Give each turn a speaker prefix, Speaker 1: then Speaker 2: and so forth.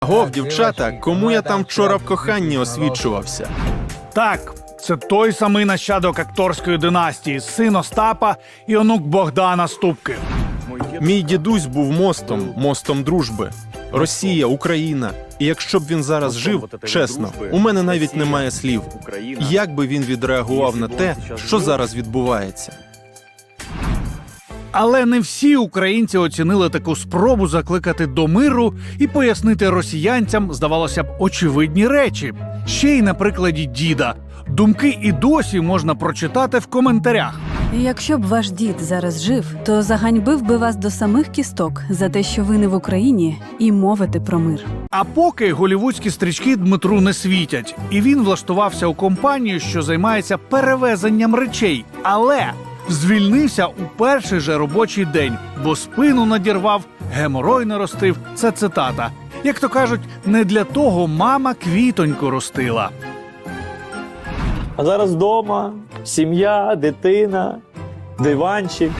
Speaker 1: Агов, дівчата, кому я там вчора в коханні освічувався?
Speaker 2: Так, це той самий нащадок акторської династії, син Остапа і онук Богдана Ступки.
Speaker 1: Мій дідусь був мостом дружби. Росія, Україна. І якщо б він зараз жив, чесно, у мене навіть немає слів. Як би він відреагував на те, що зараз відбувається?
Speaker 2: Але не всі українці оцінили таку спробу закликати до миру і пояснити росіянцям, здавалося б, очевидні речі. Ще й на прикладі діда. Думки і досі можна прочитати в коментарях.
Speaker 3: Якщо б ваш дід зараз жив, то заганьбив би вас до самих кісток за те, що ви не в Україні і мовите про мир.
Speaker 2: А поки голівудські стрічки Дмитру не світять, і він влаштувався у компанію, що займається перевезенням речей. Але звільнився у перший же робочий день, бо спину надірвав, геморой наростив. Це цитата. Як то кажуть, не для того мама квітоньку ростила.
Speaker 4: А зараз вдома, сім'я, дитина, диванчик.